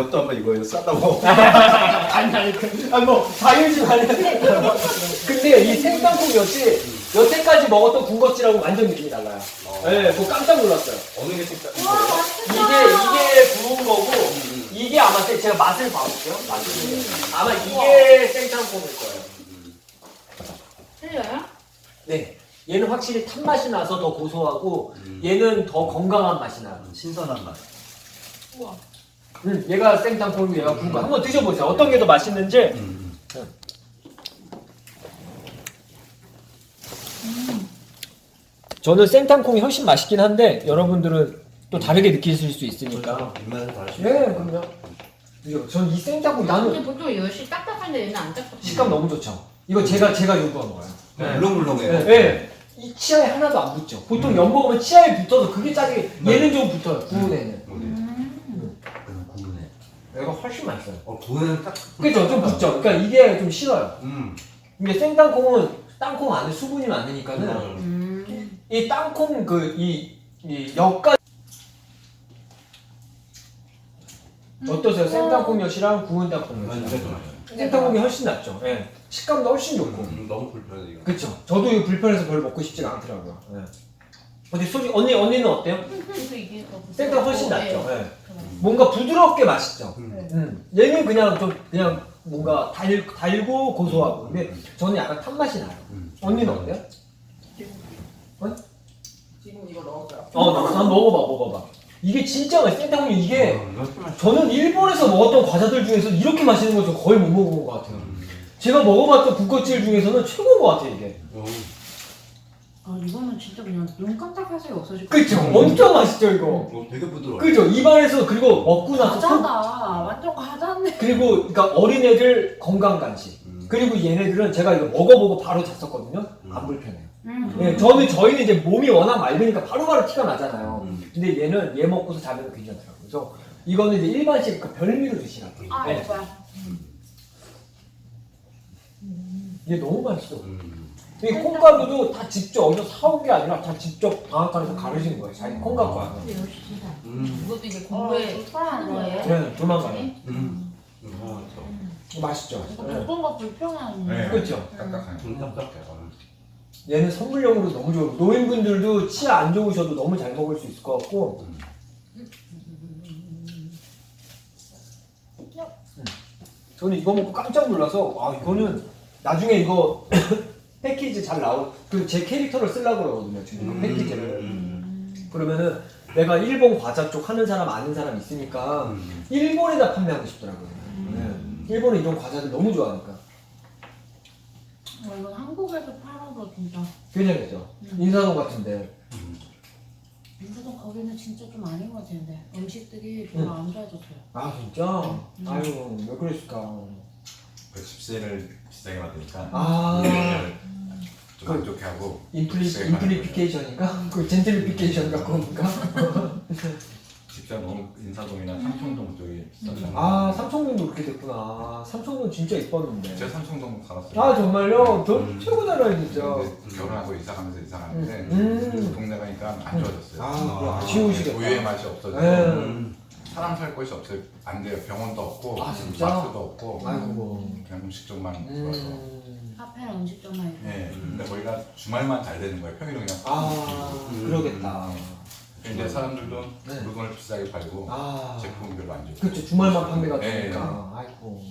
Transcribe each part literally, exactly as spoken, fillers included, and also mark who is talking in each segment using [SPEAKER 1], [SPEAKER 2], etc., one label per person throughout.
[SPEAKER 1] 엿도 한번 이거예요. 싸다고.
[SPEAKER 2] 아니 아니 그, 아니 뭐 자유지 말해. 근데 이 생땅콩 엿이 여태까지 먹었던 군것질하고 완전 느낌이 달라요.
[SPEAKER 1] 어.
[SPEAKER 2] 네, 그거 깜짝 놀랐어요.
[SPEAKER 1] 어느 게 진짜
[SPEAKER 3] 와,
[SPEAKER 2] 이게
[SPEAKER 3] 맛있겠다.
[SPEAKER 2] 이게 구운 거고 이게 아마 생- 제가 맛을 봐볼게요. 맛을 아마 이게 생땅콩일 거예요.
[SPEAKER 3] 틀려요?
[SPEAKER 2] 네, 얘는 확실히 탄 맛이 나서 더 고소하고
[SPEAKER 1] 음.
[SPEAKER 2] 얘는 더 건강한 맛이 나요.
[SPEAKER 1] 신선한 맛.
[SPEAKER 3] 우와.
[SPEAKER 2] 음, 얘가 생땅콩이고 얘가 구운 거 한번 드셔보세요. 어떤 게 더 맛있는지.
[SPEAKER 1] 음.
[SPEAKER 2] 저는 생땅콩이 훨씬 맛있긴 한데 여러분들은 또 다르게 느끼실 수 있으니까.
[SPEAKER 1] 입맛에 다르시.
[SPEAKER 2] 네, 그럼요. 전이 생땅콩
[SPEAKER 3] 근데
[SPEAKER 2] 나는
[SPEAKER 3] 보통 엿이 딱딱한데 얘는 안 딱딱해.
[SPEAKER 2] 식감 너무 좋죠. 이거 제가 제가 요구한 거예요.
[SPEAKER 1] 네. 물렁물렁해요.
[SPEAKER 2] 네, 네. 이 치아에 하나도 안 붙죠. 보통 연 먹으면 치아에 붙어서 그게 짜게 얘는 좀 붙어요. 구운 애는.
[SPEAKER 3] 음.
[SPEAKER 1] 그럼 구운해.
[SPEAKER 2] 얘가 훨씬 맛있어요.
[SPEAKER 1] 어 구운은 딱.
[SPEAKER 2] 그죠? 좀 붙죠. 그러니까 이게 좀 싫어요.
[SPEAKER 1] 음.
[SPEAKER 2] 근데 생땅콩은 땅콩 안에 수분이 많으니까는
[SPEAKER 1] 음.
[SPEAKER 3] 음.
[SPEAKER 2] 이 땅콩 그이이 엿가 어떠세요? 생땅콩 엿이랑 구운 땅콩
[SPEAKER 1] 완전
[SPEAKER 2] 엿이랑
[SPEAKER 1] 좋아요.
[SPEAKER 2] 생땅콩이 훨씬 낫죠. 예. 식감도 훨씬 좋고.
[SPEAKER 1] 음, 너무 불편해 이거.
[SPEAKER 2] 그쵸. 저도 이거 불편해서 별로 먹고 싶지가 않더라고요. 예. 근데 솔직히 언니 언니는 어때요?
[SPEAKER 3] 그래서 이게 더
[SPEAKER 2] 생땅 훨씬
[SPEAKER 3] 부드럽고,
[SPEAKER 2] 낫죠.
[SPEAKER 3] 예.
[SPEAKER 2] 예. 뭔가 부드럽게 맛있죠.
[SPEAKER 1] 음.
[SPEAKER 2] 음. 얘는 그냥 좀 그냥 뭔가 달 달고 고소하고. 근데 저는 약간 탄 맛이 나요.
[SPEAKER 1] 음.
[SPEAKER 2] 언니는 어때요?
[SPEAKER 3] 지금 이거 넣었어요.
[SPEAKER 2] 어, 나 한번 먹어봐, 먹어봐. 이게 진짜 맛있어. 생땅콩이 이게
[SPEAKER 1] 어, 이거 좀 맛있어.
[SPEAKER 2] 저는 일본에서 먹었던 과자들 중에서 이렇게 맛있는 거 저 거의 못 먹어본 것 같아요.
[SPEAKER 1] 음.
[SPEAKER 2] 제가 먹어봤던 군것질 중에서는 최고인 것 같아요, 이게.
[SPEAKER 1] 어.
[SPEAKER 4] 아 이거는 진짜 그냥 눈 깜짝할 새가 없어질 것
[SPEAKER 2] 그쵸?
[SPEAKER 1] 음.
[SPEAKER 2] 엄청 맛있죠, 이거.
[SPEAKER 1] 어, 되게 부드러워.
[SPEAKER 2] 그죠? 입안에서 그리고 먹고 나서 속-
[SPEAKER 4] 과자다. 완전 과자네.
[SPEAKER 2] 그리고 그러니까 어린애들 건강 간식.
[SPEAKER 1] 음.
[SPEAKER 2] 그리고 얘네들은 제가 이거 먹어보고 바로 잤었거든요.
[SPEAKER 1] 음.
[SPEAKER 2] 안 불편해요.
[SPEAKER 4] 음.
[SPEAKER 2] 네, 저는 저희는 이제 몸이 워낙 맑으니까 바로바로 티가 나잖아요.
[SPEAKER 1] 음.
[SPEAKER 2] 근데 얘는 얘 먹고서 자면 괜찮더라고요. 그래서 이거는 이제 일반식 그 별미로 드시라고.
[SPEAKER 4] 아
[SPEAKER 2] 네.
[SPEAKER 4] 오빠.
[SPEAKER 2] 얘 너무 맛있어.
[SPEAKER 1] 음.
[SPEAKER 2] 이 콩가루도 다 직접 어디서 사온 게 아니라 다 직접 방앗간에서 가르신 거예요. 자기 콩가루가.
[SPEAKER 3] 근데 엿이 진짜.
[SPEAKER 1] 음.
[SPEAKER 3] 이것도 이제
[SPEAKER 4] 어,
[SPEAKER 3] 공부에
[SPEAKER 4] 좋다.
[SPEAKER 3] 하는 거예요?
[SPEAKER 2] 네, 조만간에.
[SPEAKER 1] 음. 음. 어, 저.
[SPEAKER 2] 맛있죠.
[SPEAKER 4] 이거
[SPEAKER 2] 네.
[SPEAKER 4] 볶은 거 불편하네.
[SPEAKER 5] 네.
[SPEAKER 2] 그렇죠.
[SPEAKER 5] 딱딱하네.
[SPEAKER 1] 좀 딱딱해. 어.
[SPEAKER 2] 얘는 선물용으로 너무 좋고 노인분들도 치아 안 좋으셔도 너무 잘 먹을 수 있을 것 같고.
[SPEAKER 1] 음.
[SPEAKER 2] 저는 이거 먹고 깜짝 놀라서 아 이거는 나중에 이거 패키지 잘 나올 그 제 캐릭터를 쓰려고 그러거든요 지금 이거
[SPEAKER 1] 음.
[SPEAKER 2] 패키지를.
[SPEAKER 1] 음.
[SPEAKER 2] 그러면은 내가 일본 과자 쪽 하는 사람 아는 사람 있으니까
[SPEAKER 1] 음.
[SPEAKER 2] 일본에다 판매하고 싶더라고요. 네. 일본은 이런 과자들 너무 좋아하니까.
[SPEAKER 4] 어, 이건 한국에서 팔아도 진짜.
[SPEAKER 2] 괜찮겠죠?
[SPEAKER 4] 음.
[SPEAKER 2] 인사동 같은데.
[SPEAKER 4] 인사동 거기는 진짜 좀 아닌 것 같은데 음식들이 별로
[SPEAKER 2] 음.
[SPEAKER 4] 안 좋아졌어요.
[SPEAKER 2] 아 진짜?
[SPEAKER 4] 음.
[SPEAKER 2] 아유 왜 그랬을까?
[SPEAKER 5] 백십 세를 비싸게 받으니까
[SPEAKER 2] 아
[SPEAKER 5] 좀 안 좋게 하고
[SPEAKER 2] 인플리
[SPEAKER 5] 비싸게 받는
[SPEAKER 2] 인플리피케이션인가? 그 젠틀리피케이션 갖고 옵니까?
[SPEAKER 5] 거예요. 직접 너무 인사동이나 삼청동 쪽이 비싸잖아요.
[SPEAKER 2] 아 삼청동도 그렇게 됐구나. 삼청동 진짜 이뻤는데.
[SPEAKER 5] 제가 삼청동 살았어요.
[SPEAKER 2] 아 정말요? 저
[SPEAKER 1] 음.
[SPEAKER 2] 최고잖아요 진짜.
[SPEAKER 5] 근데 결혼하고 이사 가면서 이사 가는데
[SPEAKER 2] 음.
[SPEAKER 5] 그 동네 가니까 안 좋아졌어요.
[SPEAKER 2] 아, 그거 아쉬우시겠다.
[SPEAKER 5] 우유의 맛이 없어지고
[SPEAKER 2] 네.
[SPEAKER 5] 사람 살 곳이 없어요. 안 돼요. 병원도 없고
[SPEAKER 2] 아, 진짜?
[SPEAKER 5] 마트도 없고
[SPEAKER 2] 아이고.
[SPEAKER 5] 그냥 음식점만 좋아서.
[SPEAKER 2] 음.
[SPEAKER 4] 카페나 음식점만 있고.
[SPEAKER 5] 네. 근데 거기가 주말만 잘 되는 거예요. 평일은 그냥.
[SPEAKER 2] 아
[SPEAKER 1] 음.
[SPEAKER 2] 그러겠다.
[SPEAKER 5] 이제 사람들도
[SPEAKER 2] 네.
[SPEAKER 5] 물건을 비싸게 팔고
[SPEAKER 2] 아
[SPEAKER 5] 제품은 별로 안 좋고.
[SPEAKER 2] 그렇죠. 주말만 판매가
[SPEAKER 5] 네.
[SPEAKER 2] 되니까. 아이고.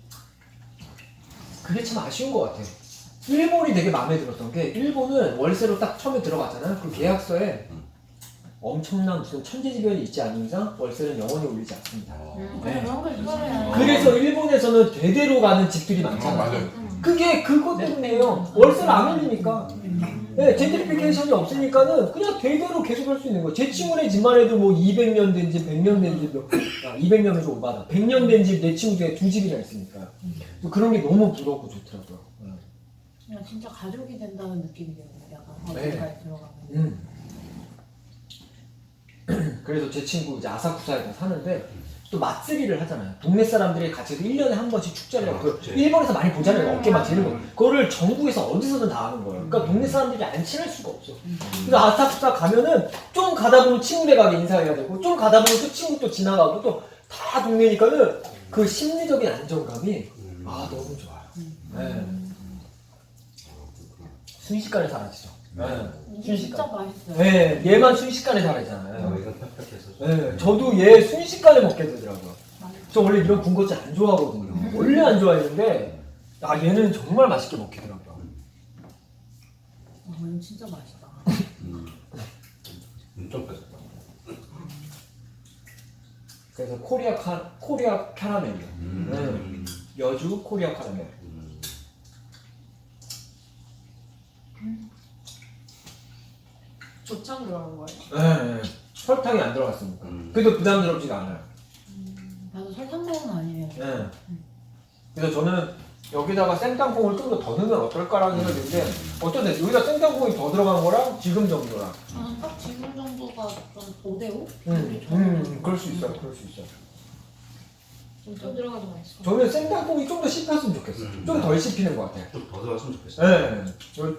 [SPEAKER 2] 그게 참 아쉬운 것 같아요. 일본이 되게 마음에 들었던 게 일본은 월세로 딱 처음에 들어갔잖아요. 그 계약서에
[SPEAKER 1] 음.
[SPEAKER 2] 엄청난 무슨 천재지변이 있지 않은 이상 월세는 영원히 올리지 않습니다.
[SPEAKER 1] 어.
[SPEAKER 4] 음,
[SPEAKER 2] 네.
[SPEAKER 4] 그런 걸 좋아해요.
[SPEAKER 2] 그래서 일본에서는 대대로 가는 집들이
[SPEAKER 5] 어,
[SPEAKER 2] 많잖아요.
[SPEAKER 5] 맞아요.
[SPEAKER 4] 음.
[SPEAKER 2] 그게 그것 때문에요. 월세를 안 올리니까. 네, 젠트리피케이션이 없으니까는 그냥 대대로 계속 할 수 있는 거예요. 제 친구네 집만 해도 뭐 이백 년 된 집, 백 년 된 집, 아, 이백 년은 좀 오바다. 백 년 된 집 내 친구 중에 두 집이나 있으니까. 또 그런 게 너무 부럽고 좋더라고요. 음.
[SPEAKER 4] 그냥 진짜 가족이 된다는 느낌이 들어요. 약간
[SPEAKER 2] 네.
[SPEAKER 4] 어딘가에 들어가면.
[SPEAKER 2] 음. 그래서 제 친구 이제 아사쿠사에 사는데 또 맛쓰기를 하잖아요. 동네 사람들이 같이 일 년에 한 번씩 축제를 하고
[SPEAKER 1] 아,
[SPEAKER 2] 그
[SPEAKER 1] 그치.
[SPEAKER 2] 일본에서 많이 보잖아요. 어깨만 지는 거.
[SPEAKER 1] 음.
[SPEAKER 2] 그거를 전국에서 어디서든 다 하는 거예요. 그러니까 동네 사람들이 안 친할 수가 없어.
[SPEAKER 4] 음.
[SPEAKER 2] 그래서 아사쿠사 가면은 좀 가다 보면 친구네 가게 인사해야 되고 좀 가다 보면 또 친구 또 지나가고 또 다 동네니까는 그 심리적인 안정감이
[SPEAKER 1] 음.
[SPEAKER 2] 아 너무 좋아요.
[SPEAKER 4] 음.
[SPEAKER 2] 네. 순식간에 사라지죠. 네.
[SPEAKER 4] 이게 진짜
[SPEAKER 2] 순식간.
[SPEAKER 4] 맛있어요.
[SPEAKER 2] 네, 얘만 순식간에 사라지잖아요.
[SPEAKER 1] 어, 이건 퍽퍽해서.
[SPEAKER 2] 네, 저도 얘 순식간에 먹게 되더라고요.
[SPEAKER 4] 맛있어.
[SPEAKER 2] 저 원래 이런 군것질 안 좋아하거든요. 원래 안 좋아했는데 아 얘는 정말 맛있게 먹히더라고요.
[SPEAKER 4] 어, 이거 진짜 맛있다.
[SPEAKER 1] 음. 엄청 퍽퍽.
[SPEAKER 2] 그래서 코리아 카 코리아 캐러멜이요.
[SPEAKER 1] 음.
[SPEAKER 2] 네. 여주 코리아 캐러멜.
[SPEAKER 1] 음.
[SPEAKER 3] 조청 들어간 거예요.
[SPEAKER 2] 네, 네. 설탕이 안 들어갔으니까.
[SPEAKER 1] 음.
[SPEAKER 2] 그래도 부담스럽지가 않아요.
[SPEAKER 4] 나도 설탕 먹은 아니에요.
[SPEAKER 2] 네. 그래서 저는 여기다가 생땅콩을 좀 더 더 넣으면 어떨까라는 생각이 드는데 어쩐데 여기다 생땅콩이 더 들어간 거랑 지금 정도랑
[SPEAKER 4] 저는 딱 지금 정도가 좀 오 대 오?
[SPEAKER 2] 음, 음, 그럴 수 있어요. 그럴 수 있어요.
[SPEAKER 3] 좀 들어가도 맛있어.
[SPEAKER 2] 저는 생땅콩이 좀 더 씹혔으면 좋겠어요.
[SPEAKER 1] 음.
[SPEAKER 2] 좀 덜 씹히는 것 같아요.
[SPEAKER 1] 좀 더 들어갔으면 좋겠어.
[SPEAKER 2] 네. 저-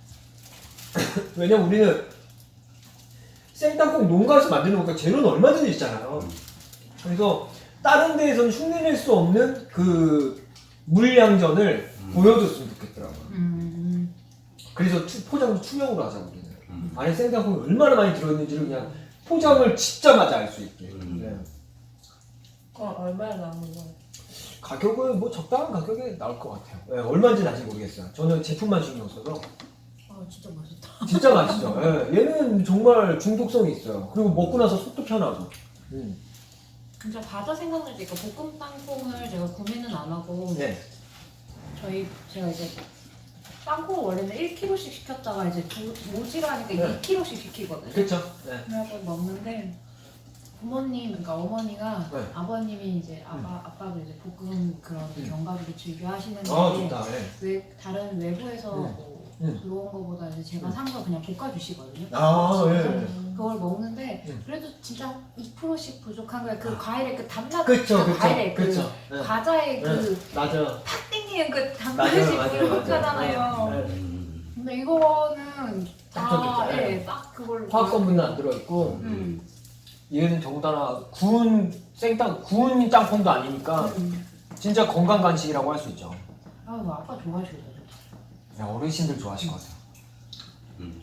[SPEAKER 2] 왜냐면 우리는 생땅콩 농가에서 만드는 거니까 재료는 얼마든지 있잖아요. 그래서 다른 데에서는 흉내낼 수 없는 그 물량전을
[SPEAKER 1] 음.
[SPEAKER 2] 보여줬으면 좋겠더라고요.
[SPEAKER 4] 음.
[SPEAKER 2] 그래서 투- 포장도 투명으로 하자고 우리는.
[SPEAKER 1] 음.
[SPEAKER 2] 안에 생땅콩이 얼마나 많이 들어있는지를 그냥 포장을 짓자마자 알 수 있게.
[SPEAKER 1] 음.
[SPEAKER 2] 네.
[SPEAKER 3] 그럼 얼마나 남은 거예요?
[SPEAKER 2] 가격은 뭐 적당한 가격에 나올 것 같아요. 네, 얼마인지는 아직 모르겠어요. 저는 제품만 신경 써서
[SPEAKER 4] 아 진짜 맛있다.
[SPEAKER 2] 진짜 맛있죠. 네, 얘는 정말 중독성이 있어요. 그리고 먹고 나서 속도 편하고. 음.
[SPEAKER 4] 진짜 과자 생각날 때 볶음 땅콩을 제가 구매는 안 하고
[SPEAKER 2] 네.
[SPEAKER 4] 저희 제가 이제 땅콩을 원래는 일 킬로그램씩 시켰다가 이제 두- 모지라니까
[SPEAKER 2] 네.
[SPEAKER 4] 이 킬로그램씩 시키거든요.
[SPEAKER 2] 그렇죠. 네.
[SPEAKER 4] 그래서 먹는데 부모님, 그러니까 어머니가
[SPEAKER 2] 네.
[SPEAKER 4] 아버님이 이제 아빠
[SPEAKER 2] 음.
[SPEAKER 4] 아빠도 이제 볶음 그런
[SPEAKER 2] 음.
[SPEAKER 4] 견과류를 즐겨 하시는데
[SPEAKER 2] 아 좋다. 네.
[SPEAKER 4] 외, 다른 외부에서
[SPEAKER 2] 음.
[SPEAKER 4] 뭐
[SPEAKER 2] 음.
[SPEAKER 4] 들어온 거보다 이제 제가
[SPEAKER 2] 음.
[SPEAKER 4] 산 거 그냥 볶아주시거든요.
[SPEAKER 2] 아
[SPEAKER 4] 그래서
[SPEAKER 2] 예.
[SPEAKER 4] 그걸 먹는데
[SPEAKER 2] 음.
[SPEAKER 4] 그래도 진짜 이 퍼센트씩 부족한 거예요. 그
[SPEAKER 2] 아.
[SPEAKER 4] 과일의 그 단맛,
[SPEAKER 2] 그쵸
[SPEAKER 4] 그
[SPEAKER 2] 그쵸
[SPEAKER 4] 과일의 그
[SPEAKER 2] 그쵸. 네.
[SPEAKER 4] 과자의 그
[SPEAKER 2] 맞아.
[SPEAKER 4] 탁 땡기는 그
[SPEAKER 2] 맞아요
[SPEAKER 4] 단맛이
[SPEAKER 2] 맞아요
[SPEAKER 4] 부족하잖아요.
[SPEAKER 2] 맞아요. 네.
[SPEAKER 1] 음.
[SPEAKER 4] 근데 이거는
[SPEAKER 2] 딱
[SPEAKER 4] 다,
[SPEAKER 2] 저기죠.
[SPEAKER 4] 예, 딱 그걸
[SPEAKER 2] 화학 성분은 안 들어있고
[SPEAKER 4] 음.
[SPEAKER 2] 얘는 더군다나 구운 생땅 구운 땅콩도 아니니까
[SPEAKER 4] 음.
[SPEAKER 2] 진짜 건강 간식이라고 할 수 있죠.
[SPEAKER 4] 아, 너 아빠 좋아하시겠다.
[SPEAKER 2] 야, 어르신들 좋아하실 것 같아요.
[SPEAKER 1] 음.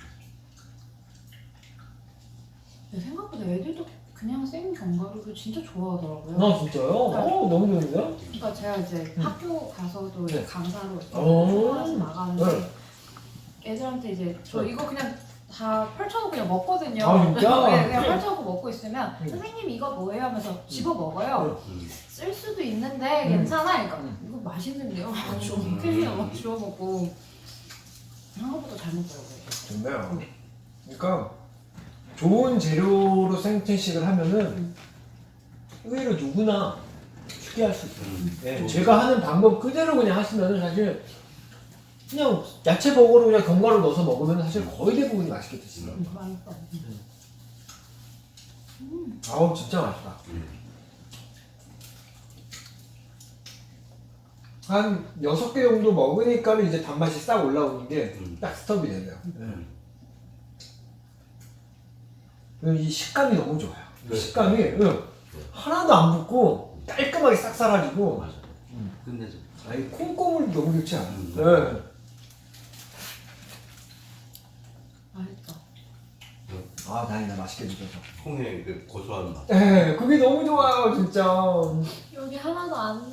[SPEAKER 4] 근데 생각보다 애들도 그냥 생 견과류를 진짜 좋아하더라고요.
[SPEAKER 2] 아 진짜요? 어 너무 좋은데요?
[SPEAKER 4] 그러니까 제가 이제
[SPEAKER 2] 음.
[SPEAKER 4] 학교 가서도
[SPEAKER 2] 네.
[SPEAKER 4] 강사로
[SPEAKER 2] 오.
[SPEAKER 4] 수업하면서 나가는데
[SPEAKER 2] 네.
[SPEAKER 4] 애들한테 이제 저
[SPEAKER 2] 네.
[SPEAKER 4] 이거 그냥 다 펼쳐놓고 그냥 먹거든요.
[SPEAKER 2] 아, 진짜?
[SPEAKER 4] 네, 그냥 펼쳐놓고 먹고 있으면
[SPEAKER 2] 음.
[SPEAKER 4] 선생님 이거 뭐예요? 하면서 집어 먹어요.
[SPEAKER 1] 음.
[SPEAKER 4] 쓸 수도 있는데
[SPEAKER 2] 음.
[SPEAKER 4] 괜찮아. 그러니까
[SPEAKER 2] 음.
[SPEAKER 4] 이거 맛있는데요?
[SPEAKER 2] 음.
[SPEAKER 4] 주워 먹겠냐? 막 주워 먹고 생각보다 잘 먹더라고요.
[SPEAKER 2] 좋네요. 그러니까 좋은 재료로 생태식을 하면은
[SPEAKER 4] 음.
[SPEAKER 2] 의외로 누구나 쉽게 할 수 있어요.
[SPEAKER 1] 음.
[SPEAKER 2] 네,
[SPEAKER 1] 음.
[SPEAKER 2] 제가 하는 방법 그대로 그냥 하시면은 사실 그냥 야채 버거로 그냥 견과류 넣어서 먹으면 사실 거의 대부분이 맛있게 드시더라고요.
[SPEAKER 4] 음, 맛있다. 음.
[SPEAKER 2] 아우 진짜 맛있다.
[SPEAKER 1] 음.
[SPEAKER 2] 한 여섯 개 정도 먹으니까 이제 단맛이 싹 올라오는 게
[SPEAKER 1] 음.
[SPEAKER 2] 딱 스톱이 되네요.
[SPEAKER 1] 음.
[SPEAKER 2] 네. 이 식감이 너무 좋아요. 이
[SPEAKER 1] 네.
[SPEAKER 2] 식감이 응. 하나도 안 붓고 깔끔하게 싹 사라지고
[SPEAKER 1] 맞아.
[SPEAKER 2] 음.
[SPEAKER 1] 끝내줘.
[SPEAKER 2] 아니 콩고물 너무 좋지 않아요?
[SPEAKER 1] 음.
[SPEAKER 2] 네.
[SPEAKER 4] 맛있다.
[SPEAKER 2] 아 다행이다 맛있게 드셔서.
[SPEAKER 1] 콩의 그 고소한 맛.
[SPEAKER 2] 네, 그게 너무 좋아요 진짜.
[SPEAKER 4] 여기 하나도 안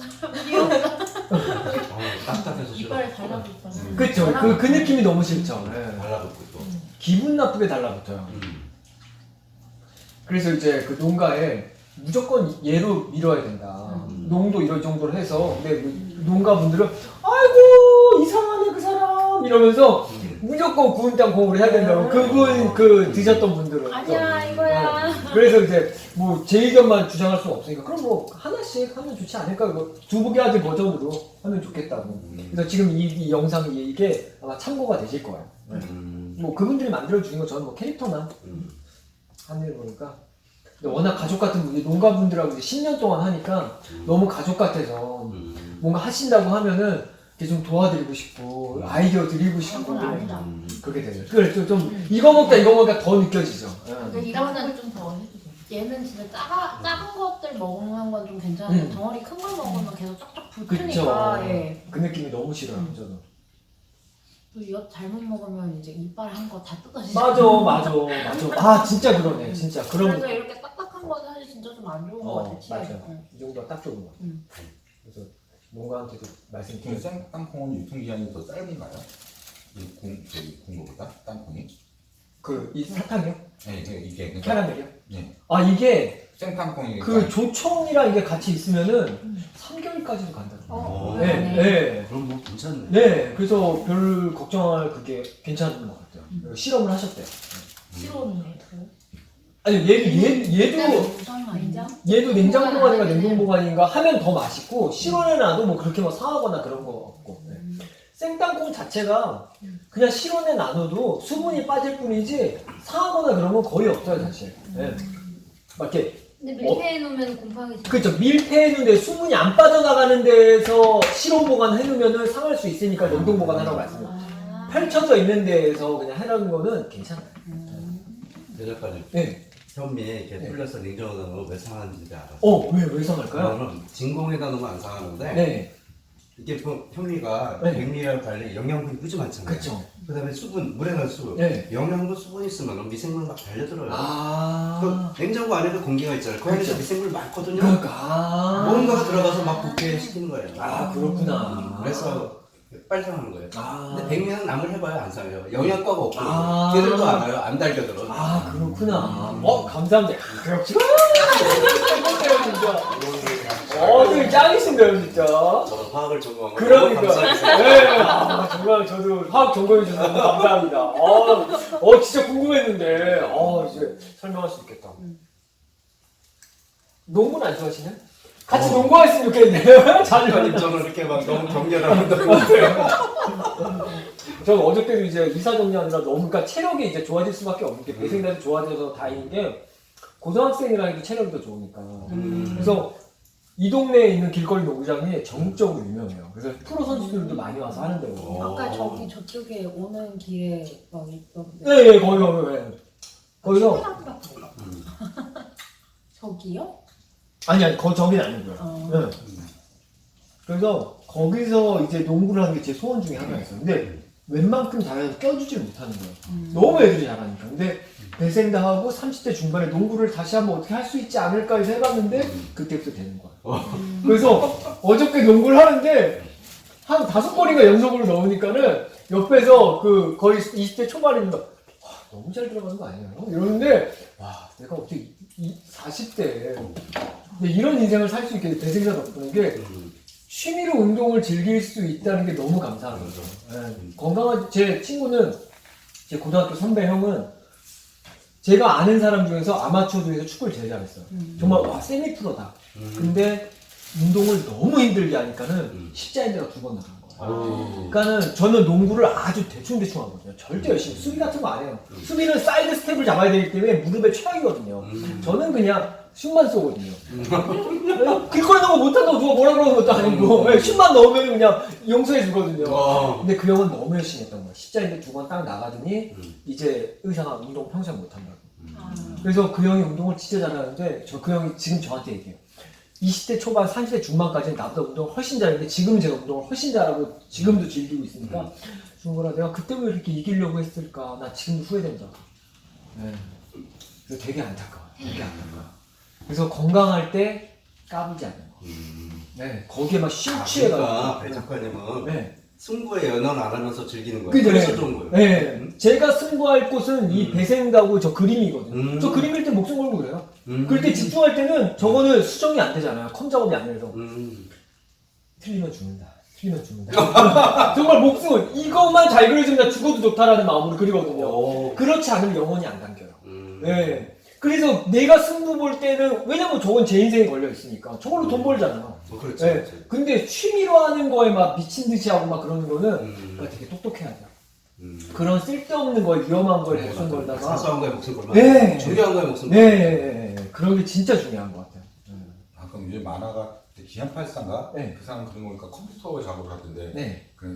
[SPEAKER 1] 어, 딱딱해서 싫어.
[SPEAKER 3] 이빨에 달라붙어.
[SPEAKER 1] 음.
[SPEAKER 2] 그쵸? 그, 그 느낌이 너무 싫죠. 네.
[SPEAKER 1] 달라붙고 또.
[SPEAKER 2] 기분 나쁘게 달라붙어요.
[SPEAKER 1] 음.
[SPEAKER 2] 그래서 이제 그 농가에 무조건 얘로 밀어야 된다.
[SPEAKER 1] 음.
[SPEAKER 2] 농도 이럴 정도로 해서 근데 그 농가분들은 아이고 이상하네 그 사람 이러면서
[SPEAKER 1] 음.
[SPEAKER 2] 무조건 구운 땅콩으로 해야 된다고 그분 그 드셨던 분들은
[SPEAKER 4] 아니야 이거야.
[SPEAKER 2] 네. 그래서 이제 뭐 제 의견만 주장할 수는 없으니까 그럼 뭐 하나씩 하면 좋지 않을까 뭐 두부개 아들 버전으로 하면 좋겠다고.
[SPEAKER 1] 음.
[SPEAKER 2] 그래서 지금 이, 이 영상이 이게 아마 참고가 되실 거예요. 네.
[SPEAKER 1] 음.
[SPEAKER 2] 뭐 그분들이 만들어 주는 거 저는 뭐 캐릭터만
[SPEAKER 1] 음.
[SPEAKER 2] 하는 거니까. 근데 워낙 가족 같은 분이 농가분들하고 이제 십 년 동안 하니까 너무 가족 같아서
[SPEAKER 1] 음.
[SPEAKER 2] 뭔가 하신다고 하면은 이렇게 좀 도와드리고 싶고 아이디어 드리고 싶고
[SPEAKER 4] 그건 아니다.
[SPEAKER 1] 음.
[SPEAKER 2] 그렇게 돼요. 그래 좀, 좀 이거 먹다 이거 먹다 더 느껴지죠. 예.
[SPEAKER 3] 이거는 좀 더 해주세요.
[SPEAKER 4] 얘는 진짜 작아, 작은 것들 먹는 건 좀 괜찮은데
[SPEAKER 2] 음.
[SPEAKER 4] 덩어리 큰 걸 먹으면 계속 쫙쫙
[SPEAKER 2] 그쵸.
[SPEAKER 4] 붙으니까 예.
[SPEAKER 2] 그 느낌이 너무 싫어요.
[SPEAKER 4] 음.
[SPEAKER 2] 저도.
[SPEAKER 4] 또 엿 잘못 먹으면 이제 이빨 한 거 다 뜯어지죠.
[SPEAKER 2] 맞아, 맞아, 맞아. 아, 진짜 그러네. 진짜 그런.
[SPEAKER 4] 그래서 이렇게 딱딱한 건 사실 진짜 좀 안 좋은 거
[SPEAKER 2] 어,
[SPEAKER 4] 같아.
[SPEAKER 2] 맞아.
[SPEAKER 4] 치아에. 응.
[SPEAKER 2] 이 정도가 딱 좋은 거.
[SPEAKER 4] 음.
[SPEAKER 2] 그래서 농가한테도
[SPEAKER 5] 그
[SPEAKER 2] 말씀드려요.
[SPEAKER 5] 생땅콩은 유통기한이 더 짧은가요? 이 공, 저기 공거보다 땅콩이?
[SPEAKER 2] 그, 이 사탕이요?
[SPEAKER 5] 네, 네, 이게 그러니까
[SPEAKER 2] 캐러멜이요?
[SPEAKER 5] 네.
[SPEAKER 2] 아, 이게
[SPEAKER 5] 생땅콩이
[SPEAKER 2] 그 조청이랑 이게 같이 있으면은
[SPEAKER 4] 음.
[SPEAKER 2] 삼 개월까지도 간다고.
[SPEAKER 4] 어,
[SPEAKER 2] 네,
[SPEAKER 4] 네.
[SPEAKER 2] 네.
[SPEAKER 1] 그럼 뭐 괜찮네.
[SPEAKER 2] 네, 그래서 별 걱정할 그게 괜찮은 것 같아요.
[SPEAKER 4] 음.
[SPEAKER 2] 실험을 하셨대요.
[SPEAKER 3] 싫어하는
[SPEAKER 2] 아니, 얘, 얘, 얘도,
[SPEAKER 4] 우선 아니죠?
[SPEAKER 2] 얘도 냉장 보관인가 냉동 보관인가 하면 더 맛있고, 실온에놔도 뭐 그렇게 뭐 상하거나 그런 거 없고. 네. 생땅콩 자체가 그냥 실온에 놔둬도 수분이 빠질 뿐이지 상하거나 그런 건 거의 없어요, 사실. 네. 막 이렇게
[SPEAKER 6] 근데 밀폐해 놓으면 곰팡이 잘.
[SPEAKER 2] 그렇죠. 밀폐해 놓는데 수분이 안 빠져나가는 데에서 실온 보관해 놓으면은 상할 수 있으니까 냉동 보관하라고 말씀드려요.
[SPEAKER 6] 아.
[SPEAKER 2] 펼쳐져 있는 데에서 그냥 해라는 거는 괜찮아요.
[SPEAKER 1] 예전까지
[SPEAKER 2] 네.
[SPEAKER 1] 현미에 이렇게
[SPEAKER 2] 네.
[SPEAKER 1] 불려서 냉장고에 넣으면 왜 상하는지 알았어.
[SPEAKER 2] 어, 왜, 왜 상할까요?
[SPEAKER 1] 그거는 진공에다 넣으면 안 상하는데
[SPEAKER 2] 네.
[SPEAKER 1] 이게 뭐 현미가
[SPEAKER 2] 네.
[SPEAKER 1] 백미랑 달리 영양분이 무지 많잖아요.
[SPEAKER 2] 그쵸.
[SPEAKER 1] 그다음에 수분, 물에 넣은 수분.
[SPEAKER 2] 네.
[SPEAKER 1] 영양분 수분 있으면 미생물 막 달려들어요.
[SPEAKER 2] 아.
[SPEAKER 1] 그 냉장고 안에도 공기가 있잖아요. 그 안에서
[SPEAKER 2] 그렇죠.
[SPEAKER 1] 미생물 많거든요.
[SPEAKER 2] 그러니까. 아.
[SPEAKER 1] 뭔가가 들어가서 막 붓게 시키는 거예요.
[SPEAKER 2] 아, 그렇구나.
[SPEAKER 1] 그래서 빨리 상하는 거예요.
[SPEAKER 2] 아.
[SPEAKER 1] 근데 백미는 남을 해봐야 안 상해요. 영양가가 없고
[SPEAKER 2] 아.
[SPEAKER 1] 걔들도 알아요. 안 달겨들어.
[SPEAKER 2] 아, 그렇구나. 어, 감사합니다. 아, 역시. 최고세요, 진짜. 어, 되게 짱이신데요, 진짜.
[SPEAKER 1] 저도 화학을 전공한 거 너무
[SPEAKER 2] 그러니까.
[SPEAKER 1] 감사했어요.
[SPEAKER 2] 네. 아, 정말 저도 화학 전공해 주셔서 너무 감사합니다. 어, 어, 진짜 궁금했는데. 어, 이제 설명할 수 있겠다. 농구는 안 좋아하시나요? 같이
[SPEAKER 1] 어.
[SPEAKER 2] 농구했으면 좋겠네요. 자주.
[SPEAKER 1] 아니 저는 이렇게 막 너무 격렬한 운동을 못해요.
[SPEAKER 2] 저는 어저께도 이제 이사 정리하느라 너무, 그러니까 체력이 이제 좋아질 수밖에 없는 게 배생돼서 좋아져서 다행인 게 고등학생이라 해도 체력이 더 좋으니까.
[SPEAKER 1] 음.
[SPEAKER 2] 그래서 이 동네에 있는 길거리 농구장이 전국적으로 유명해요. 그래서 프로 선수들도 많이 와서 하는 데고.
[SPEAKER 1] 어.
[SPEAKER 4] 아까 저기 저쪽에 오는 길에 막 있던데.
[SPEAKER 2] 네, 네, 거기, 거기, 네. 거기서,
[SPEAKER 4] 사람 같은 거.
[SPEAKER 1] 음.
[SPEAKER 4] 저기요?
[SPEAKER 2] 아니, 아니, 거, 저긴 아니고요.
[SPEAKER 4] 어.
[SPEAKER 2] 네. 그래서 거기서 이제 농구를 하는 게 제 소원 중에 하나였어요. 근데 웬만큼 잘해도 껴주질 못하는 거예요.
[SPEAKER 4] 음.
[SPEAKER 2] 너무 애들이 잘하니까. 근데 배생다 하고 삼십 대 중반에 농구를 다시 한번 어떻게 할 수 있지 않을까 해서 해봤는데 그때부터 되는 거야. 그래서 어저께 농구를 하는데 한 다섯 번인가 연속으로 넣으니까는 옆에서 그 거의 이십 대 초반입니다. 와, 너무 잘 들어가는 거 아니에요? 이러는데 와, 내가 어떻게 이 사십 대에 이런 인생을 살 수 있게 배생다 덕분에 게
[SPEAKER 1] 음.
[SPEAKER 2] 취미로 운동을 즐길 수 있다는 게 너무 감사한 거죠. 네. 건강한 제 친구는 제 고등학교 선배 형은 제가 아는 사람 중에서 아마추어 중에서 축구를 제일 잘했어요.
[SPEAKER 4] 음.
[SPEAKER 2] 정말 와 세미 프로다.
[SPEAKER 1] 음.
[SPEAKER 2] 근데 운동을 너무 힘들게 하니까는
[SPEAKER 1] 음.
[SPEAKER 2] 십자인대가 두 번 나간 거예요.
[SPEAKER 1] 오.
[SPEAKER 2] 그러니까는 저는 농구를 아주 대충대충 하거든요. 절대 열심히 수비 같은 거 안 해요.
[SPEAKER 1] 음.
[SPEAKER 2] 수비는 사이드 스텝을 잡아야 되기 때문에 무릎에 최악이거든요.
[SPEAKER 1] 음.
[SPEAKER 2] 저는 그냥 슛만 쏘거든요. 길거리 농구 못한다고 누가 뭐라 그러는 것도 아니고
[SPEAKER 1] 음.
[SPEAKER 2] 슛만 넣으면 그냥 용서해 주거든요.
[SPEAKER 1] 어.
[SPEAKER 2] 근데 그 형은 너무 열심히 했던 거야. 십자인대 두 번 딱 나가더니
[SPEAKER 1] 음.
[SPEAKER 2] 이제 의사가 운동 평생 못한다고.
[SPEAKER 4] 아.
[SPEAKER 2] 그래서 그 형이 운동을 진짜 잘하는데 저 그 형이 지금 저한테 얘기해요. 이십 대 초반, 삼십 대 중반까지는 나보다 운동을 훨씬 잘했는데 지금은 제가 운동을 훨씬 잘하고 지금도 즐기고 있으니까 중거라 내가 그때 왜 이렇게 이기려고 했을까 나 지금도 후회된다. 네. 그래서 되게 안타까워. 되게 안타까워. 그래서 건강할 때 까불지 않는 거.
[SPEAKER 1] 음.
[SPEAKER 2] 네. 거기에 막
[SPEAKER 1] 아,
[SPEAKER 2] 심취해가지고.
[SPEAKER 1] 그러니까 배 작가님은
[SPEAKER 2] 네.
[SPEAKER 1] 승부에 연연 안 하면서 즐기는 거예요.
[SPEAKER 2] 그죠,
[SPEAKER 1] 그래서
[SPEAKER 2] 네.
[SPEAKER 1] 좋은 거예요.
[SPEAKER 2] 네.
[SPEAKER 1] 음.
[SPEAKER 2] 제가 승부할 곳은 이
[SPEAKER 1] 음.
[SPEAKER 2] 배생다고 저 그림이거든요.
[SPEAKER 1] 음.
[SPEAKER 2] 저 그림일 때 목숨 걸고 그래요.
[SPEAKER 1] 음.
[SPEAKER 2] 그럴 때 집중할 때는 저거는 수정이 안 되잖아요. 컴 작업이 안 돼서.
[SPEAKER 1] 음.
[SPEAKER 2] 틀리면 죽는다. 틀리면 죽는다. 정말 목숨은 이것만 잘 그려주면 나 죽어도 좋다라는 마음으로 그리거든요.
[SPEAKER 1] 오.
[SPEAKER 2] 그렇지 않으면 영혼이 안 담겨요.
[SPEAKER 1] 음.
[SPEAKER 2] 네. 그래서 내가 승부 볼 때는 왜냐면 저건 제 인생에 걸려 있으니까 저걸로 돈 벌잖아요.
[SPEAKER 1] 어, 그렇지.
[SPEAKER 2] 네.
[SPEAKER 1] 그렇지.
[SPEAKER 2] 근데 취미로 하는 거에 막 미친 듯이 하고 막 그러는 거는
[SPEAKER 1] 음.
[SPEAKER 2] 그러니까 되게 똑똑해야 돼요.
[SPEAKER 1] 음.
[SPEAKER 2] 그런 쓸데없는 거에 위험한 거에
[SPEAKER 1] 네,
[SPEAKER 2] 목숨
[SPEAKER 1] 맞아.
[SPEAKER 2] 걸다가
[SPEAKER 1] 사소한 거에 목숨 걸면
[SPEAKER 2] 네.
[SPEAKER 1] 중요한 거에 목숨
[SPEAKER 2] 네,
[SPEAKER 1] 걸면
[SPEAKER 2] 네, 네, 네. 그런 게 진짜 중요한 것 같아요.
[SPEAKER 5] 아, 그럼 요즘 만화가 기안팔사인가?
[SPEAKER 2] 네.
[SPEAKER 5] 그 사람 그런 거니까 컴퓨터 작업을 하던데
[SPEAKER 2] 네.
[SPEAKER 5] 그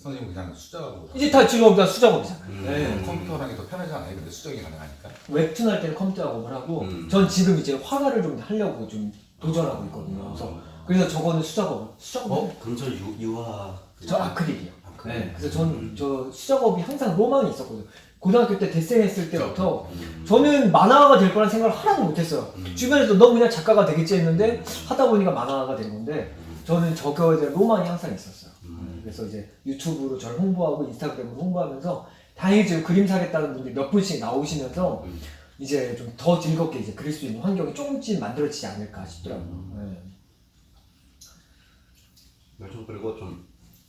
[SPEAKER 5] 선생님 그냥 수작업으로
[SPEAKER 2] 이제 다 지금 다 수작업이잖아요.
[SPEAKER 1] 음.
[SPEAKER 2] 네.
[SPEAKER 5] 컴퓨터라는 게 더 편하지 않아요? 근데 수작이 가능하니까.
[SPEAKER 2] 웹툰 할 때는 컴퓨터 작업을 하고
[SPEAKER 1] 음.
[SPEAKER 2] 전 지금 이제 화가를 좀 하려고 좀 도전하고 있거든요. 그래서 그래서 저거는 수작업 수작업
[SPEAKER 1] 어? 그럼 저 유, 유화
[SPEAKER 2] 저 아크릴이요.
[SPEAKER 1] 아크릴.
[SPEAKER 2] 네. 그래서 저는 저 수작업이 항상 로망이 있었거든요. 고등학교 때 데생했을 때부터
[SPEAKER 1] 음.
[SPEAKER 2] 저는 만화가가 될 거란 생각을 하나도 못했어요.
[SPEAKER 1] 음.
[SPEAKER 2] 주변에서 너 그냥 작가가 되겠지 했는데 하다 보니까 만화가가 된 건데 저는 저거에 대한 로망이 항상 있었어요.
[SPEAKER 1] 음.
[SPEAKER 2] 그래서 이제 유튜브로 저를 홍보하고 인스타그램으로 홍보하면서 다행히 지금 그림 사겠다는 분들이 몇 분씩 나오시면서
[SPEAKER 1] 음.
[SPEAKER 2] 이제 좀 더 즐겁게 이제 그릴 수 있는 환경이 조금씩 만들어지지 않을까 싶더라고요.
[SPEAKER 1] 음.
[SPEAKER 2] 네.
[SPEAKER 1] 요즘 그리고 좀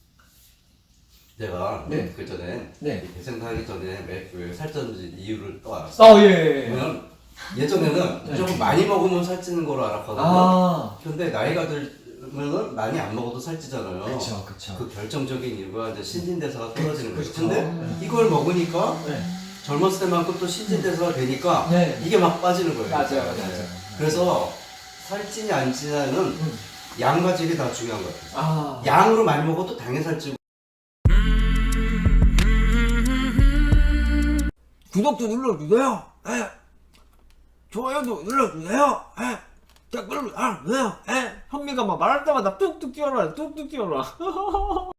[SPEAKER 1] 내가
[SPEAKER 2] 네.
[SPEAKER 1] 그 전에
[SPEAKER 2] 네.
[SPEAKER 1] 대생하기 전에 왜, 왜 살쪘는지 이유를 또 알았어.
[SPEAKER 2] 아, 예, 예. 예.
[SPEAKER 1] 왜냐면 예전에는
[SPEAKER 2] 네.
[SPEAKER 1] 좀 많이 먹으면 살찌는 거로 알았거든요.
[SPEAKER 2] 아,
[SPEAKER 1] 근데 나이가 들면은 많이 안 먹어도 살찌잖아요.
[SPEAKER 2] 그쵸, 그쵸.
[SPEAKER 1] 그 결정적인 이유가 이제 신진대사가 떨어지는 거죠.
[SPEAKER 2] 그쵸.
[SPEAKER 1] 근데
[SPEAKER 2] 네.
[SPEAKER 1] 이걸 먹으니까
[SPEAKER 2] 네.
[SPEAKER 1] 젊었을 때만큼 또 신진대사가 되니까
[SPEAKER 2] 네.
[SPEAKER 1] 이게 막 빠지는 거예요.
[SPEAKER 2] 맞아요,
[SPEAKER 1] 네.
[SPEAKER 2] 맞아요.
[SPEAKER 1] 그래서 살찌냐 안 찌냐는
[SPEAKER 2] 음.
[SPEAKER 1] 양과 질이 다 중요한 것 같아요.
[SPEAKER 2] 아,
[SPEAKER 1] 양으로 많이 먹어도 당연히 살찌고.
[SPEAKER 7] 구독도 눌러주세요. 예. 좋아요도 눌러주세요. 예. 댓글도 달아주세요. 예. 현미가 막 말할 때마다 뚝뚝 뛰어라, 뚝뚝 뛰어라.